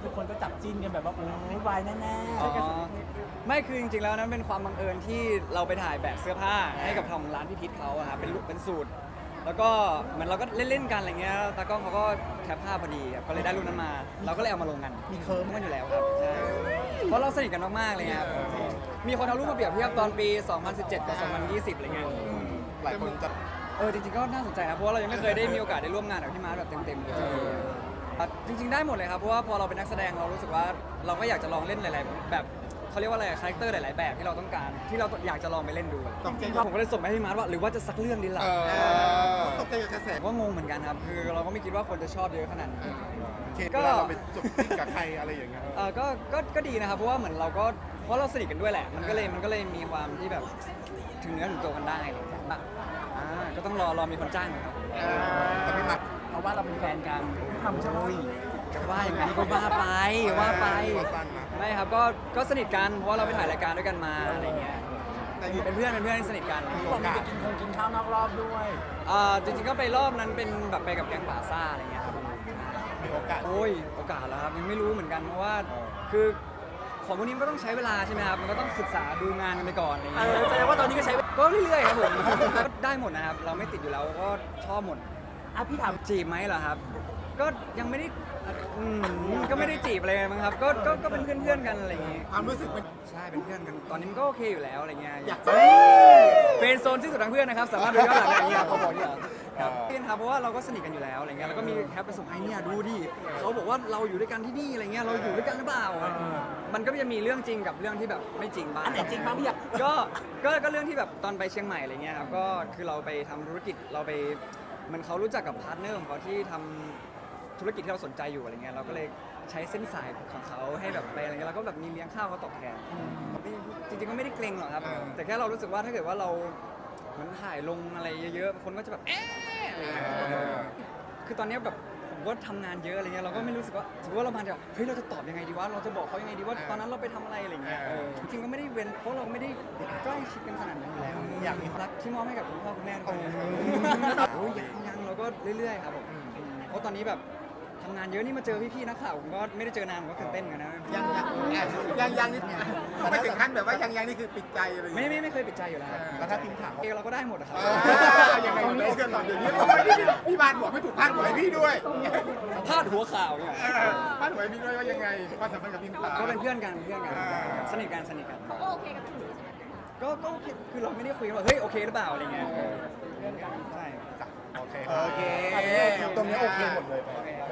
ทุกคนก็จับจิ้นกันแบบว่าโอ้ยวายแน่ๆอ๋อไม่คือจริงๆแล้วนั้นเป็นความบังเอิญที่เราไปถ่ายแบบเสื้อผ้าให้กับทางร้านพี่พิษเขาอะครับเป็นสูตร แล้วก็เหมือนเราก็เล่นๆกันอะไรเงี้ยตากล้องเขาก็แคปภาพพอดีครับก็เลยได้รูปนั้นมา เราก็เลยเอามาลงกันมีเคิร์มกันอยู่แล้วครับใช่เพราะเราสนิทกันมากๆเลยครับมีคนเอารูปมาเปรียบเทียบตอนปี 2017 กับ 2020 อะไรเงี้ยหลายคนจะจริงๆก็น่าสนใจนะเพราะว่าเรายังไม่เคยได้มีโอกาสได้ร่วมงานกับพี่มาร์ทแบบเต็มๆเลยครับจริงๆได้หมดเลยครับเพราะว่าพอเราเป็นนักแสดงเรารู้สึกว่าเราก็อยากจะลองเล่นหลายๆแบบเขาเรียกว่าอะไรคาแรคเตอร์หลายๆแบบที่เราต้องการที่เราอยากจะลองไปเล่นดูผมก็เลยส่งไปให้พี่มาร์ทว่าหรือว่าจะสักเรื่องดีล่ะตกใจกับกระแสผมก็งงเหมือนกันครับคือเราก็ไม่คิดว่าคนจะชอบเยอะขนาดนี้ก็เราไปจบที่กับใครอะไรอย่างเงี้ยก็ดีนะครับเพราะว่าเหมือนเราก็เพราะเราสนิทกันด้วยแหละมันก็เลยมีความที่แบบถึงเนื้อถึงตัวกันได้อะไรอย่างเงี้ยก็ต้องรอมีคนจ้างครับแต่พี่มัดเพราะว่าเราเป็นแฟนกันทำใช่ไหมจะว่าอย่างนั้นก็ว่าไปว่าไปว่าสั้นนะไม่ครับก็สนิทกันเพราะว่าเราไปถ่ายรายการด้วยกันมาอะไรเงี้ยแต่เป็นเพื่อนที่สนิทกันบอกมีไปกินข้าวนอกรอบด้วยจริงๆก็ไปรอบนั้นเป็นแบบไปกับแก๊งป่าซ่าอะไรเงี้ยครับมีโอกาสโอ้ยโอกาสแล้วครับยังไม่รู้เหมือนกันเพราะว่าคือของพวกนี้มันก็ต้องใช้เวลาใช่ไหมครับมันก็ต้องศึกษาดูงานกันไปก่อนอะไรเงี้ยแสดงว่าตอนนี้ก็ใช้ก็เรื่อยๆครับผมก็ได้หมดนะครับเราไม่ติดอยู่แล้วก็ชอบหมดพี่ถามจีบไหมเหรอครับ ก็ยังไม่ได้ก็ไม่ได้จีบอะไรมั้งครับก็เป็นเพื่อนๆกันอะไรอย่างงี้ความรู้สึกมันใช่เป็นเพื่อนกันตอนนี้มันก็โอเคอยู่แล้วอะไรเงี้ยอยากจะเฟรนด์โซนที่สุดทางเพื่อนนะครับสามารถดูย้อนหลังได้อย่างเงี้ยเขาบอกเนี่ยครับเพื่อนครับเพราะว่าเราก็สนิทกันอยู่แล้วอะไรเงี้ยแล้วก็มีแคปไปส่งให้เนี่ยดูดิเขาบอกว่าเราอยู่ด้วยกันที่นี่อะไรเงี้ยเราอยู่ด้วยกันหรือเปล่ามันก็จะมีเรื่องจริงกับเรื่องที่แบบไม่จริงบ้างอันไหนจริงบ้างพี่อยากก็เรื่องที่แบบตอนไปเชียงใหม่อะไรเงี้ยครับก็คือเราไปทำธุรกิจเราไปเหมันเขารู้จักกับพาร์ทเนอร์ของเขาที่ทำธุรกิจที่เราสนใจอยู่อะไรเงี้ยเราก็เลยใช้เส้นสายของเขาให้แบบไปอะไรเงี้ยเราก็แบบมีเลี้ยงข้าวเขาตอบแทนจริงๆก็ไม่ได้เกรงหรอกครับแต่แค่เรารู้สึกว่าถ้าเกิดว่าเราเหมือนถ่ายลงอะไรเยอะๆคนก็จะแบบอะไรเงี้ยคือตอนเนี้ยแบบผมก็ทำงานเยอะอะไรเงี้ยเราก็ไม่รู้สึกว่าสมมติว่าเรามาแบบเฮ้ยเราจะตอบยังไงดีวะเราจะบอกเขายังไงดีว่าตอนนั้นเราไปทำอะไรอะไรเงี้ยจริงๆก็ไม่ได้เว้นเพราะเราไม่ได้ใกล้ชิดกันขนาดนั้นอยู่แล้วอยากมีรักที่มอบให้กับคุณพ่อคุณแม่ทุกคนโอ้ยยังเราก็เรื่อยๆครับผมเพราะตอนนี้แบบทำงานเยอะนี่มาเจอพี่ๆนักข่าวผมก็ไม่ได้เจอนานผมก็ตื่นเต้นกันนะยังนี่ไม่ถึงขั้นแบบว่ายังนี่คือปิดใจอะไรอย่างเงี้ยไม่เคยปิดใจอยู่แล้วครับแล้วถ้าทีมข่าวเราก็ได้หมดอะครับยังไงตรงนี้กันหน่อยเดี๋ยวนี้พี่บานบอกไม่ถูกพาดหัวให้พี่ด้วยพาดหัวข่าวเนี่ยพาดหัวให้พี่ด้วยว่ายังไงความสัมพันธ์กับทีมข่าวก็เป็นเพื่อนกันสนิทกันเขาก็โอเคกับสิ่งนี้ใช่ไหมคะก็โอเคคือเราไม่ได้คุยกันว่าเฮ้ยโอเคหรือเปล่าอะไรเงี้ยเพื่อนกันใช่โอเคตรงนี้โอเคหมดเลยโอเค